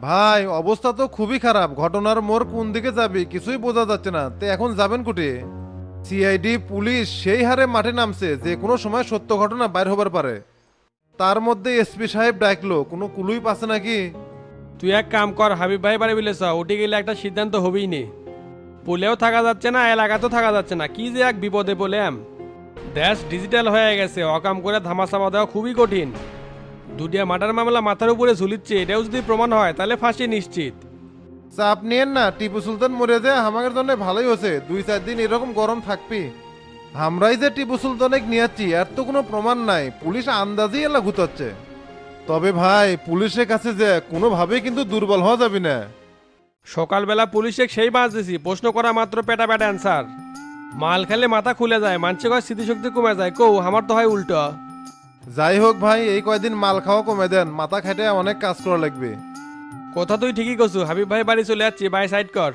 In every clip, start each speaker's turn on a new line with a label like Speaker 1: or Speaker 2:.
Speaker 1: ভাই অবস্থা তো খুবই খারাপ, ঘটনার মোড় কোন দিকে যাবে কিছুই বোঝা যাচ্ছে না, তে এখন যাবেন কুটে? সিআইডি পুলিশ সেই হারে মাঠে নামছে, যে কোনো সময় সত্য ঘটনা বাইর হবার পারে। তার মধ্যে এসপি সাহেব ডাকলো, কোনো কুলুই পাচ্ছে নাকি?
Speaker 2: তুই এক কাম কর, হাবিব ভাই বাড়ি বিলেছ, উঠে গেলে একটা সিদ্ধান্ত হবেই নে। পুলেও থাকা যাচ্ছে না, এলাকাতেও থাকা যাচ্ছে না, কি যে এক বিপদে বলেম। দেশ ডিজিটাল হয়ে গেছে, অকাম করে ধামাচাপা দেওয়া খুবই কঠিন। দুটিয়া মার্ডার মামলা মাথার উপরে ঝুলিচ্ছে, এটাও যদি প্রমাণ হয় তাহলে ফাঁসি নিশ্চিত।
Speaker 1: চাপ নিয়েন না, টিপু সুলতান মরে যায় আমাদের জন্য ভালোই হয়েছে, 2-4 দিন এরকম গরম থাকবি। আমরাই যে টিপু সুলতানেক নিয়েছি আর তো কোনো প্রমাণ নাই, পুলিশ আন্দাজেই এলা ঘুতাচ্ছে। তবে ভাই পুলিশের কাছে যে কোনোভাবেই কিন্তু দুর্বল হওয়া যাবে না।
Speaker 2: সকালবেলা পুলিশে সেই বাঁচ দিছি, প্রশ্ন করা মাত্র পেটা পেটা অ্যান্সার। মাল খেলে মাথা খুলে যায়, মানছে কয় স্মৃতিশক্তি কমে যায়, কৌ আমার তো হয় উল্টো।
Speaker 1: যাই হোক ভাই, এই কয়দিন মাল খাওয়া কমে দেন, মাথা খেটে অনেক কাজ করা লাগবে।
Speaker 2: কথা তুই ঠিকই করছু, হাবিব ভাই বাড়ি চলে যাচ্ছি, বাই সাইড কর।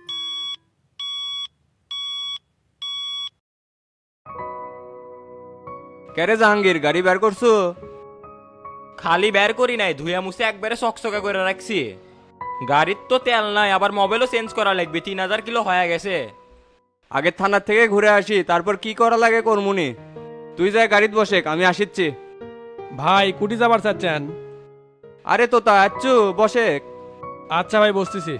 Speaker 3: কেরে জাহাঙ্গীর গাড়ি বের করছো?
Speaker 4: খালি বের করি নাই, ধুয়া মুছে একবারে চকচকা করে রাখছি। গাড়ির তো তেল নাই, আবার মোবাইলও চেঞ্জ করা লাগবে, 3000 কিলো হয়ে গেছে।
Speaker 3: আগে থানার থেকে ঘুরে আসি, তারপর কি করা লাগে কর্মুনি। তুই যাই গাড়িতে বসে, আমি আসিচ্ছি।
Speaker 2: ভাই কুটি যাবার চাচ্ছেন?
Speaker 3: আরে তোতা আচ্ছু বসে।
Speaker 2: আচ্ছা ভাই বসতেছি।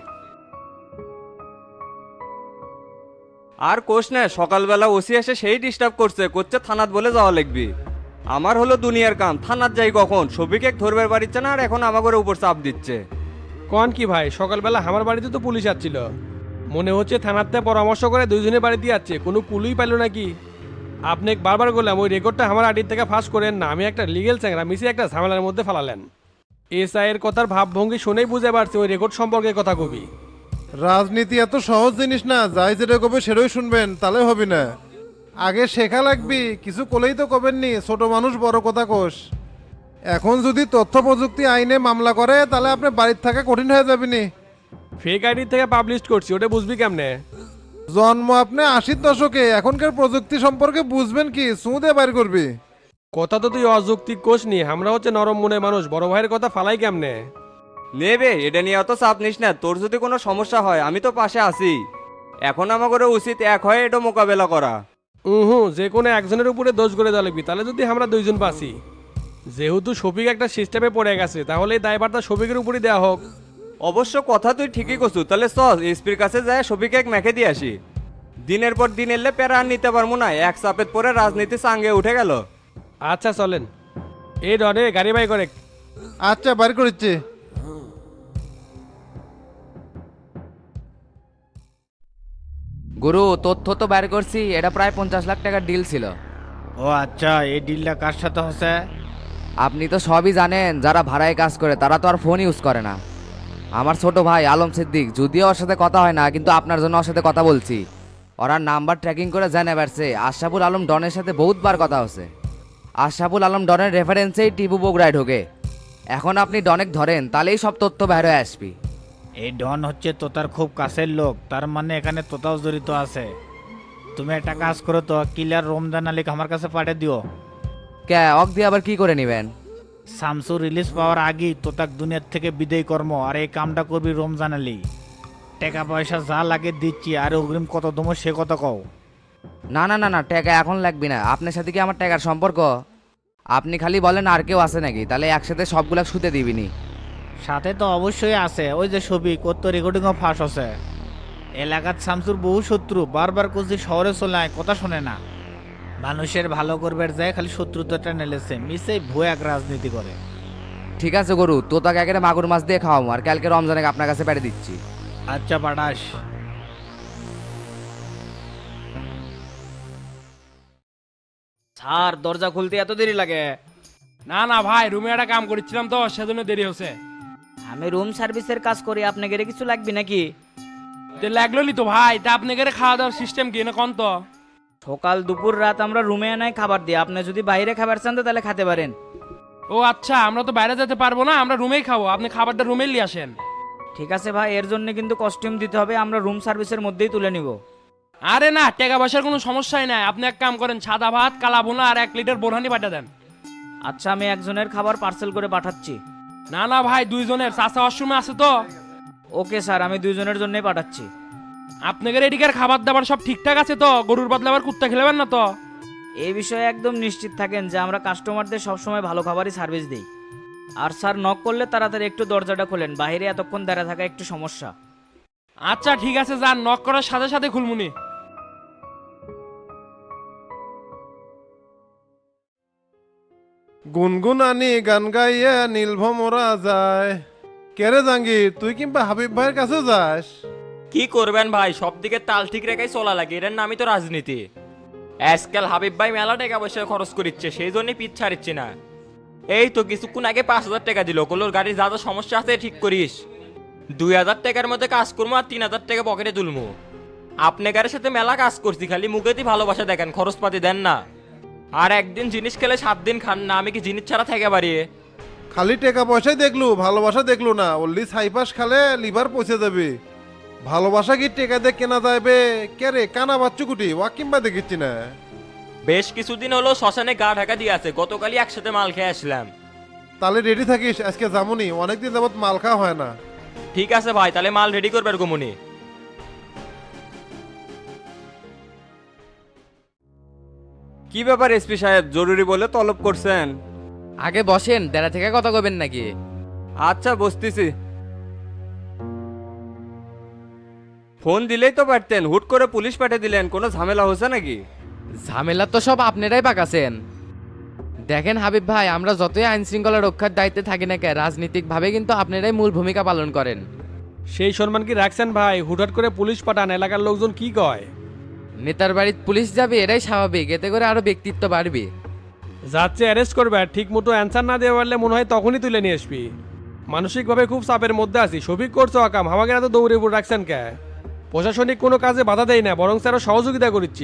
Speaker 3: আর কোষ না, সকালবেলা ওসি এসে সেই ডিস্টার্ব করছে, করছে থানাত বলে যাওয়া লাগবি। আমার হলো দুনিয়ার কাম, থানাত যাই কখন? সবিকে ধরবার পারিচ্ছে না, আর এখন আমাকে উপর চাপ দিচ্ছে।
Speaker 2: কন কি ভাই, সকালবেলা আমার বাড়িতে তো পুলিশ আসছিল, মনে হচ্ছে থানাতে পরামর্শ করে দুইজনের বাড়িতে যাচ্ছে, কোনো কুলুই পাইল নাকি। আপনি বারবার বললাম ওই রেকর্ডটা আমার আডির থেকে ফাঁস করেন না, আমি একটা লিগেল চ্যাংরা মিশে একটা ঝামেলার মধ্যে ফেলালেন। এসআই এর কথার ভাবভঙ্গি শুনেই বুঝে পারছি ওই রেকর্ড সম্পর্কে কথা কবি।
Speaker 1: রাজনীতি এত সহজ জিনিস না, যাই যেটা কবে সেটাই শুনবেন তাহলে হবে না। আগে শেখা লাগবি, কিছু কলেই তো কবেননি, ছোট মানুষ বড় কথা কোষ। এখন যদি তথ্য প্রযুক্তি আইনে মামলা করে তাহলে আপনার বাড়ির থাকা কঠিন হয়ে যাবে নি।
Speaker 2: ফেক আইডি থেকে পাবলিশ করছি, ওটা বুঝবি কেমনে?
Speaker 1: জন্ম আপনি 80-র দশকে, এখনকার প্রযুক্তি সম্পর্কে বুঝবেন কি, সুদে বাইর করবি।
Speaker 2: কথা তো তুই অযৌক্তিক কোষ নি, আমরা হচ্ছে নরম মনের মানুষ, বড় ভাইয়ের কথা ফালাই কেমনে?
Speaker 3: নেবে এটা নিয়ে অত চাপ নিস না, তোর যদি কোনো সমস্যা হয় আমি তো পাশে আছি। এখন আমাকে উচিত এক হয়ে এটা মোকাবেলা করা।
Speaker 2: যে কোনো একজনের উপরে দোষ করে দেওয়া লাগবি, তাহলে যদি আমরা দুইজন বাঁচি। যেহেতু শফিক একটা সিস্টেমে পড়ে গেছে, তাহলে এই দায়ভারটা শফিকের উপরই দেওয়া হোক।
Speaker 3: অবশ্য কথা তুই ঠিকই করছু, তাহলে চল এসপির কাছে যায় সবিকে এক মেখে দিয়ে আসি। দিনের পর দিন এলে প্যারা আর নিতে পারবো না, এক চাপের পরে রাজনীতি সাঙ্গে উঠে গেল।
Speaker 2: আচ্ছা চলেন। এই ডনে গাড়ি বাই করে।
Speaker 1: আচ্ছা বাইর করেছি।
Speaker 5: গুরু, তথ্য তো বের করছি, এটা প্রায় 50 লাখ টাকার ডিল ছিল।
Speaker 6: ও আচ্ছা, এই ডিলটা কার সাথে হচ্ছে?
Speaker 5: আপনি তো সবই জানেন, যারা ভাড়ায় কাজ করে তারা তো আর ফোন ইউজ করে না। আমার ছোট ভাই আলম সিদ্দিক, যদিও ওর সাথে কথা হয় না, কিন্তু আপনার জন্য ওর সাথে কথা বলছি। ওরা নাম্বার ট্র্যাকিং করে জেনে বেড়ছে আশরাফুল আলম ডনের সাথে বহুতবার কথা হচ্ছে। আশরাফুল আলম ডনের রেফারেন্সেই টিপু বগুড়ায় ঢোকে। এখন আপনি ডনেক ধরেন, তাহলেই সব তথ্য বের হয়ে আসবি।
Speaker 6: এই ডন হচ্ছে তোতার খুব কাছের লোক, তার মানে এখানে তোতাও জড়িত আছে। তুমি একটা কাজ করো তো, কিলার রমজান আলীকে আমার কাছে পাঠিয়ে দিও।
Speaker 5: কে অক দিয়ে আবার কি করে নেবেন?
Speaker 6: শামসু রিলিজ পাওয়ার আগেই তোতাক দুনিয়ার থেকে বিদায় কর্ম, আর এই কামটা করবি রমজান আলী। টাকা পয়সা যা লাগে দিচ্ছি, আর অগ্রিম কত দমো সে কথা কও।
Speaker 5: না না না না, টাকা এখন লাগবে না। আপনার সাথে কি আমার টাকার সম্পর্ক? আপনি খালি বলেন আর কেউ আছে নাকি, তাহলে একসাথে সবগুলা শুতে দিবিনি।
Speaker 6: সাথে তো অবশ্যই আছে, ওই যে ছবি কত রেকর্ডিংও ফাঁস আছে। এলাকার শামসুর বহু শত্রু, বারবার কুচি শহরে চলে আয়, কথা শোনে না। মানুষের ভালো করবার যায় খালি শত্রুতাটা নেলেছে, মিসে ভুয়া এক রাজনীতি করে।
Speaker 5: ঠিক আছে গরু, তো তাকে একেবারে মাগুর মাছ দিয়ে খাওয়াবো, আর কালকে রমজানে আপনার কাছে পেড়ে দিচ্ছি।
Speaker 6: আচ্ছা পাঠাস।
Speaker 4: স্যার, দরজা খুলতে এত দেরি লাগে?
Speaker 2: না না ভাই, রুমে একটা কাম করছিলাম তো সেজন্য দেরি হচ্ছে।
Speaker 7: আমি রুম সার্ভিসের কাজ করি, আপনাকে কিছু লাগবে নাকি?
Speaker 2: লাগলো নি তো ভাই, তা আপনাদের খাওয়া দাওয়ার সিস্টেম কি না কন তো?
Speaker 7: সকাল দুপুর রাত আমরা রুমে আনাই খাবার দিই, আপনি যদি বাইরে খাবার চান তো তাহলে খেতে পারেন।
Speaker 2: ও আচ্ছা, আমরা তো বাইরে যেতে পারবো না, আমরা রুমেই খাবো, আপনি খাবারটা রুমে নিয়ে আসেন।
Speaker 7: ঠিক আছে ভাই, এর জন্য কিন্তু কস্টিউম দিতে হবে, আমরা রুম সার্ভিসের মধ্যেই তুলে নিব।
Speaker 2: আরে না, টাকা পয়সার কোনো সমস্যাই নাই, আপনি এক কাম করেন, সাদা ভাত কালা ভুনা আর 1 লিটার বোরহানি পাঠা দেন।
Speaker 7: আচ্ছা, আমি একজনের খাবার পার্সেল করে পাঠাচ্ছি।
Speaker 2: না না ভাই, দুইজনের চাচা ওয়াশরুমে আছে তো।
Speaker 7: ওকে স্যার, আমি দুইজনের জন্যই পাঠাচ্ছি।
Speaker 2: আপনাদের এদিকের খাবার দাবার সব ঠিকঠাক আছে তো? গরুর বদলে আবার কুত্তা খেলেবেন না তো?
Speaker 7: এই বিষয়ে একদম নিশ্চিত থাকেন যে আমরা কাস্টমারদের সবসময় ভালো খাবারই সার্ভিস দিই। আর স্যার, নক করলে তাড়াতাড়ি একটু দরজাটা খোলেন, বাইরে এতক্ষণ দাঁড়া থাকা একটু সমস্যা।
Speaker 2: আচ্ছা ঠিক আছে, যান, নক করার সাথে সাথে খুলমুনি।
Speaker 1: গুনগুন আনি গান গাইয়া নীলভমরা যায়। কেরে জাঙ্গির, তুই কিংবা হাবিব ভাইয়ের কাছে যাস?
Speaker 4: কি করবেন ভাই, সব দিকে তাল ঠিক রেখাই চলা লাগে, এর নামই তো রাজনীতি। আজকাল হাবিব ভাই মেলা টাকা পয়সা খরচ করিচ্ছে, সেই জন্যই পিছ ছাড়িচ্ছে না। এই তো কিছুক্ষণ আগে 5,000 টাকা দিল, কলোর গাড়ির যা যা সমস্যা আছে ঠিক করিস। 2,000 টাকার মধ্যে কাজ করবো আর 3,000 টাকা পকেটে তুলবো। আপনি গাড়ির সাথে মেলা কাজ করছি, খালি মুখেতেই ভালোবাসা দেখেন, খরচপাতি দেন না। আর একদিন জিনিস খেলে 7 দিন খান না, আমি কি জিনিস ছাড়া থেকে পারি?
Speaker 1: খালি টাকা পয়সাই দেখলু, ভালোবাসা দেখলু না। ওল্লি ছাইপাস খালে লিভার পচে যাবে। ভালোবাসা কি টেকা দিয়ে কেনা যাবে? কেরে কানা বাচ্চু কুটি ওয়া কিংবা দেখিচ্ছি না।
Speaker 4: বেশ কিছুদিন হলো শ্মশানে গা ঢাকা দিয়ে আছে, গতকালই একসাথে মাল খেয়ে আসলাম।
Speaker 1: তাহলে রেডি থাকিস, আজকে যামুনি, অনেকদিন যাবত মাল খাওয়া হয় না।
Speaker 4: ঠিক আছে ভাই, তাহলে মাল রেডি করবে গুমনি।
Speaker 3: কি ব্যাপার এসপি সাহেব, জরুরি বলে তলব করছেন?
Speaker 5: আগে বসেন, দেড়া থেকে কথা কবেন নাকি?
Speaker 3: আচ্ছা বসতেছি। ফোন দিলেই তো পারতেন, হুট করে পুলিশ পাঠিয়ে দিলেন, কোনো ঝামেলা হচ্ছে নাকি?
Speaker 5: ঝামেলা তো সব আপনারাই পাকাছেন। দেখেন হাবিব ভাই, আমরা যতই আইন শৃঙ্খলা রক্ষার দায়িত্বে থাকি না কেন, রাজনীতিকভাবে কিন্তু আপনারাই মূল ভূমিকা পালন করেন।
Speaker 2: সেই সম্মান কি রাখছেন ভাই? হুটহাট করে পুলিশ পাঠান, এলাকার লোকজন কি কয়?
Speaker 5: নেতার বাড়িতে পুলিশ যাবে, এটাই স্বাভাবিক, এতে করে আরো ব্যক্তিত্ব বাড়বে।
Speaker 2: যাচ্ছে অ্যারেস্ট করবে, আর ঠিক মতো অ্যান্সার না দেওয়া পারলে মনে হয় তখনই তুলে নিয়ে আসবি। মানসিকভাবে খুব চাপের মধ্যে আছি। সফিক করছো আকাম, আমাকে এত দৌড়ে উপর রাখছেন কে? প্রশাসনিক কোনো কাজে বাধা দেয় না, বরং আরো সহযোগিতা করছি।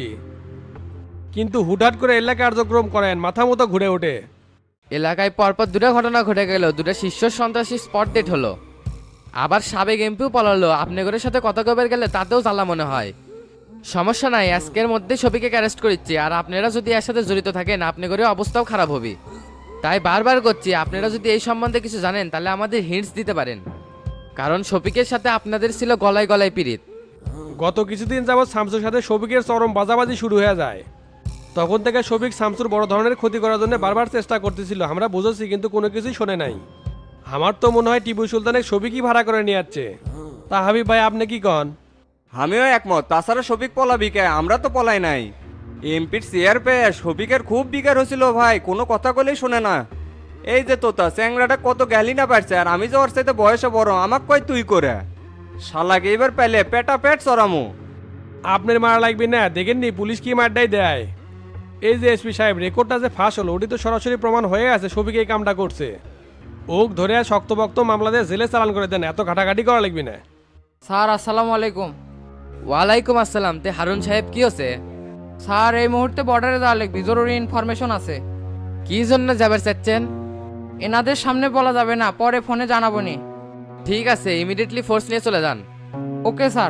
Speaker 2: কিন্তু হুটহাট করে এলাকা কার্যক্রম করেন, মাথা মতো ঘুরে ওঠে।
Speaker 5: এলাকায় পরপর দুটো ঘটনা ঘটে গেল, দুটো শীর্ষ সন্ত্রাসী স্পট ডেট হলো। আবার সাবেক এমপিও পলালো। আপনাদের সাথে কথা কবার গেলে তাতেও জ্বালা মনে হয়। সমস্যা নাই, আজকের মধ্যে সবিকে অ্যারেস্ট করেছি। আর আপনারা যদি এর সাথে জড়িত থাকেন, আপনাদের অবস্থাও খারাপ হবে। তাই বারবার করছি, আপনারা যদি এই সম্বন্ধে কিছু জানেন তাহলে আমাদের হিন্টস দিতে পারেন। কারণ শফিকের সাথে আপনাদের ছিল গলায় গলায় পিরিত।
Speaker 2: গত কিছুদিন যাবৎ শামসুর সাথে শফিকের চরম বাজাবাজি শুরু হয়ে যায়। তখন থেকে শফিক শামসুর বড় ধরনের ক্ষতি করার জন্য বারবার চেষ্টা করতেছিল, আমরা বুঝেছি, কিন্তু কোনো কিছুই শোনে নাই। আমার তো মনে হয় টিপু সুলতানের শফিকই ভাড়া করে নিয়ে যাচ্ছে। তা হাবিব ভাই, আপনি কি কন?
Speaker 3: আমিও একমত। তাছাড়া শফিক পলাবি কে? আমরা তো পলাই নাই। এমপির চেয়ার পেয়ে শফিকের খুব বিকার হয়েছিল ভাই, কোনো কথা বলেই শোনে না। এই যে তোতা চ্যাংরাটা কত গ্যালি না পারছে, আর আমি যে ওর সাথে বয়সে বড়, আমাক কয় তুই করে। শালাকে এবার পেলে পেটা পেট চড়ামু।
Speaker 2: আপনার মারা লাগবে না, দেখেননি পুলিশ কি মারটাই দেয়। এই যে এসপি সাহেব, রেকর্ডটা যে ফাঁস হলো, ওটি তো সরাসরি প্রমাণ হয়ে আছে শফিক এই কামটা করছে। ওক ধরে শক্তভক্ত মামলা দিয়ে জেলে চালান করে দেন, এত ঘাটাঘাটি করা লাগবে না।
Speaker 8: স্যার আসসালামু আলাইকুম।
Speaker 5: ওয়ালাইকুম আসসালাম। তে হারুন সাহেব কি হচ্ছে?
Speaker 8: স্যার এই মুহূর্তে বর্ডারে যাওয়া লাগবে, জরুরি ইনফরমেশন আছে।
Speaker 5: কি জন্য যাবার চাচ্ছেন?
Speaker 8: এনাদের সামনে বলা যাবে না, পরে ফোনে জানাবো নি।
Speaker 5: ঠিক আছে, ইমিডিয়েটলি ফোর্স নিয়ে চলে যান।
Speaker 8: Okay sir.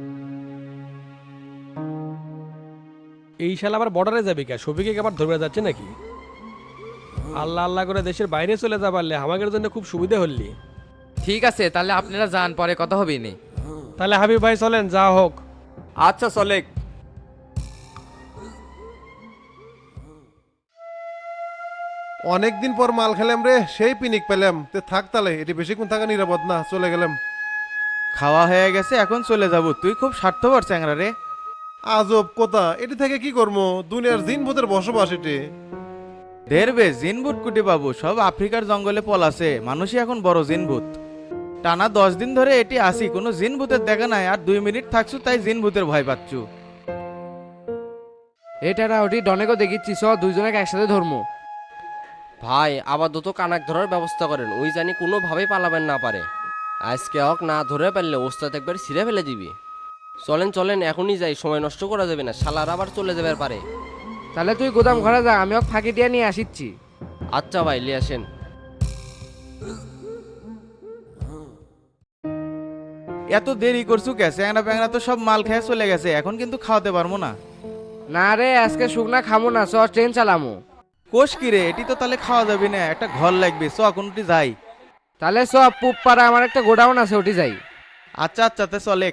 Speaker 2: এই সাল আবার বর্ডারে যাবি কে? শফিকে আবার ধরবে যাচ্ছে নাকি? আল্লাহ আল্লাহ করে দেশের বাইরে চলে যা পারলে আমাদের জন্য খুব সুবিধা হলি।
Speaker 5: ঠিক আছে, তাহলে আপনারা যান, পরে কথা হবে নি।
Speaker 2: তাহলে হাবিব ভাই চলেন, যা হোক।
Speaker 3: আচ্ছা চলে।
Speaker 1: অনেকদিন পর মাল খেলাম রে, সেই পিনিক পেলাম। তে থাক তাহলে, এটি বেশিক্ষণ থাকা নিরাপদ না, চলে গেলাম।
Speaker 6: খাওয়া হয়ে গেছে, এখন চলে যাব। তুই খুব স্বার্থপর চ্যাংরা রে।
Speaker 1: আজব কথা, এটি থেকে কি করবো? দুনিয়ার জিন ভূতের বসবাস এটি।
Speaker 6: ধেরবে জিনভূত কুটি বাবু, সব আফ্রিকার জঙ্গলে পলাছে, মানুষই এখন বড় জিনভূত। টানা 10 দিন ধরে এটি আসি, কোনো জিনভূতের দেখা নাই, আর 2 মিনিট থাকছু তাই জিনভূতের ভয় পাচ্ছু।
Speaker 8: এটা ওটি ডনেকও দেখিচ্ছি, চ দুইজনে একসাথে ধর্ম।
Speaker 9: ভাই আপাতত কানাক ধরার ব্যবস্থা করেন, ওই জানি কোনোভাবেই পালাবেন না পারে। আজকে হক না ধরে পারলে ওস্তাদ একবার ছিঁড়ে ফেলে দিবি। চলেন চলেন, এখনই যাই, সময় নষ্ট করা যাবে না, শালার আবার চলে যাবে পারে।
Speaker 8: তাহলে তুই গোদাম ঘরে যা, আমি ওকে ফাঁকি দিয়ে নিয়ে আসিচ্ছি।
Speaker 9: আচ্ছা ভাই, লিয়ে আসেন।
Speaker 6: এত দেরি করছু কে? চ্যাংরা প্যাংরা তো সব মাল খেয়ে চলে গেছে, এখন কিন্তু খাওয়াতে পারবো না।
Speaker 8: না রে, আজকে শুকনা খামো না, চ ট্রেন চালামো।
Speaker 6: কোষ কি রে? এটি তো তাহলে খাওয়া যাবে না, একটা ঘর লাগবে, চ কোনটি যাই।
Speaker 5: তাহলে সব পুপ পাড়া আমার একটা গোডাউন আছে, ওটি যাই।
Speaker 6: আচ্ছা আচ্ছা তে চলে।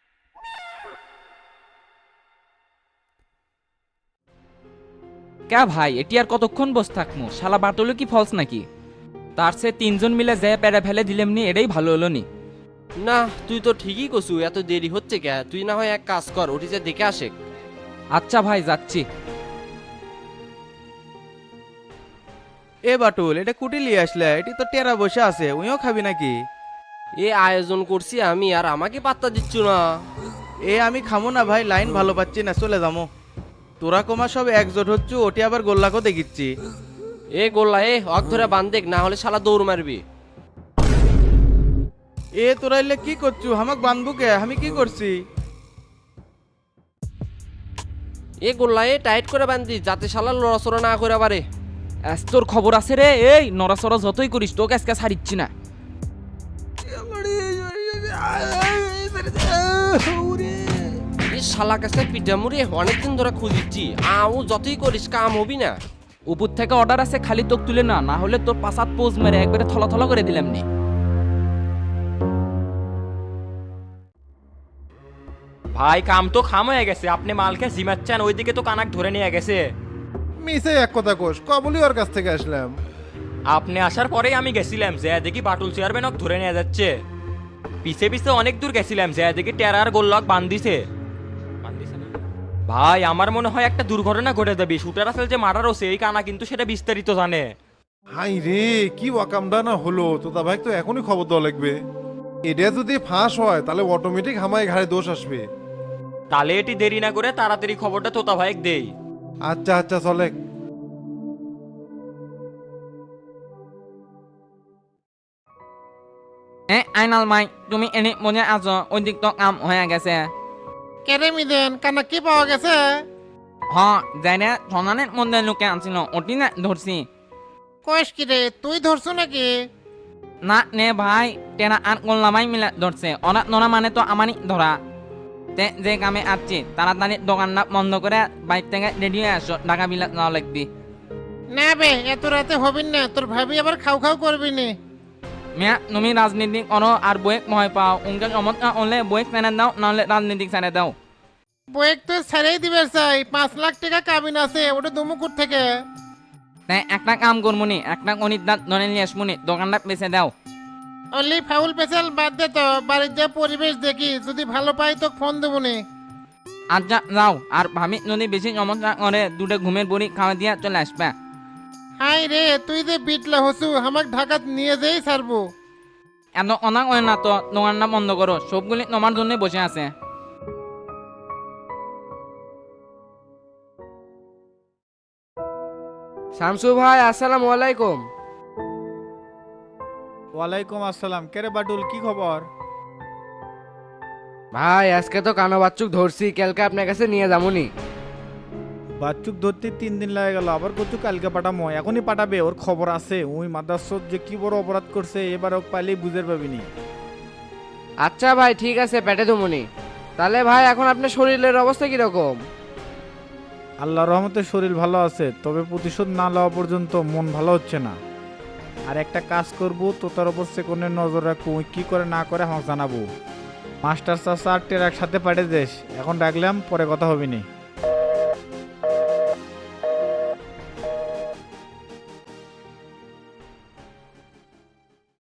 Speaker 10: কে ভাই এটি আর কতক্ষণ বসে থাকমু? শালা বাটুলো কি ফলস নাকি? তার সে তিনজন মিলে যে পেরে ফেলে দিলেম নি, এটাই ভালো হলো নি।
Speaker 9: না তুই তো ঠিকই কছু, এত দেরি হচ্ছে কে? তুই না হয় এক কাজ কর, ওটি যে দেখে আসে।
Speaker 10: আচ্ছা ভাই যাচ্ছি।
Speaker 6: এ বাটুল, এটা কুটি লিয়ে আসলে? এটি তো টেরা বসে আছে, উইও খাবি নাকি?
Speaker 9: এ আয়োজন করছি আমি, আর আমাকে পাত্তা দিচ্ছ না।
Speaker 6: এ আমি খামো না ভাই, লাইন ভালো পাচ্ছি না, চলে যাবো। তোরা কমা সব একজোট হচ্ছু, ওটি আবার গোল্লাকেও দেখিচ্ছি।
Speaker 9: এ গোল্লা এ হক ধরে বান্ধেক, না হলে শালা দৌড় মারবি।
Speaker 6: এ তোরা এলে কি করছু? আমাক বান্ধবু কে? আমি কি করছি?
Speaker 9: এ গোল্লা এ টাইট করে বান্ধি, যাতে শালা লড়াচড়া না করে পারে।
Speaker 10: তোর খবর আছে রে? এই নড়াচড়া যতই করিস তোকে আজকে ছাড়িচ্ছি না।
Speaker 9: এই শালা কাছে পিঠা মুড়ি অনেকদিন ধরে খুঁজিচ্ছি, আও যতই করিস কাম হবি না।
Speaker 10: উপর থেকে অর্ডার আছে, খালি তোক তুলে না, না হলে তোর পাশাত পোজ মেরে একবারে থলা থলা করে দিলাম নি।
Speaker 4: ভাই কাম তো খাম হয়ে গেছে, আপনি মালকে জিমাচ্ছেন, ওইদিকে তো কানাক ধরে নিয়ে গেছে।
Speaker 1: মিসে এক কথা কোষ, কবলি ওর কাছ থেকে আসলাম।
Speaker 4: আপনি আসার পরেই আমি গেছিলাম, যে দেখি বাটুল চেয়ারম্যান ধরে নিয়ে যাচ্ছে। পিছে পিছে অনেক দূর গেছিলাম, যে দেখি টেরার গোল্লক বান্ধিছে। ভাই আমার মনে হয় একটা দুর্ঘটনা ঘটে যাবে। শুটার আসল যে মার্ডার হচ্ছে এই কানা কিন্তু সেটা বিস্তারিত জানে।
Speaker 1: হাই রে, কি ওয়াকামডা না হলো! তোতা ভাই তো এখনই খবর দেওয়া লাগবে। এটা যদি ফাঁস হয় তাহলে অটোমেটিক হামায় ঘাড়ে দোষ আসবে।
Speaker 4: তাহলে এটি দেরি না করে তাড়াতাড়ি খবরটা তোতা ভাইক দেই।
Speaker 1: আচ্ছা আচ্ছা চলে।
Speaker 10: আইনাল মাই, তুমি এনে মনে আছো? ওই দিক তো কাম হয়ে গেছে।
Speaker 1: কেরে মিদেন কানা কি পাওয়া গেছে?
Speaker 10: হ যাই না, সনানের মধ্যে লোকে আনছিল, ওটি না ধরছি।
Speaker 1: কয়েস কি রে, তুই ধরছো নাকি?
Speaker 10: না নে ভাই, টেনা আর গোল্লামাই মিলে ধরছে। ওরা নোরা মানে তো আমারই ধরা। তে যে কামে আসছি তাড়াতাড়ি দোকানটা বন্ধ করে বাইক থেকে রেডি হয়ে আসো, ঢাকা বিলাত যাওয়া লাগবি।
Speaker 1: না বে, এত রাতে হবিন না, তোর ভাবি আবার খাও খাও করবি নি।
Speaker 10: মিয়া তুমি রাজনীতি করো আর বইয়েক ভয় পাও। উনকে সমস্যা হলে বইয়েক ছেড়ে দাও, নাহলে রাজনীতিক ছেড়ে দাও।
Speaker 1: বয়েক তো ছেড়েই দিবে চাই, 5 লাখ টাকা কাবিন আছে, ওটা দুমুকুর থেকে।
Speaker 10: তাই একটা কাম করমুনি, একটা গণিত দাঁত ধরে নিয়ে আসমুনি, দোকানটা বেঁচে দাও।
Speaker 1: অনলি ফাউল পেছাল বাদ দে তো, বাড়ির যা পরিবেশ দেখি, যদি ভালো পাই তো ফোন দেবনি।
Speaker 10: আচ্ছা যাও, আর ভাবি যদি বেশি সমস্যা করে দুটো ঘুমের বড়ি খাওয়া দিয়া চলে আসবে।
Speaker 1: হাই রে, তুই যে বিটলা হসু, আমাক ঢাকাত নিয়ে যেই ছাড়বো।
Speaker 10: এত অনাক হয় না তো, দোকানটা বন্ধ করো, সবগুলি তোমার জন্য বসে আছে।
Speaker 5: শামসু ভাই আসসালামু আলাইকুম।
Speaker 6: ওয়ালাইকুম আসসালাম। কেরে বাটুল, কি খবর?
Speaker 5: ভাই আজকে তো কানো বাচ্চুক ধরছি, কালকে আপনার কাছে নিয়ে যাবনি।
Speaker 6: বাচ্চুক ধরতে 3 দিন লাগে গেল, আবার কচু কালকে পাঠামো? এখনই পাঠাবে, ওর খবর আছে। ওই মাদাসত যে কি বড় অপরাধ করছে, এবার ওক পাইলেই বুঝে পাবিনি।
Speaker 5: আচ্ছা ভাই ঠিক আছে, পেটে ধুমুনি। তাহলে ভাই এখন আপনার শরীরের অবস্থা কিরকম?
Speaker 6: আল্লাহর রহমতে শরীর ভালো আছে, তবে প্রতিশোধ না লওয়া পর্যন্ত মন ভালো হচ্ছে না। আর একটা কাজ করবো, তোতার ওপর সেকন্ডের নজর রাখবো, ওই কি করে না করে আমাকে জানাবো। মাস্টার চাচা আর টেরাক সাথে পাঠিয়ে দেশ। এখন ডাকলাম, পরে কথা হবিনি।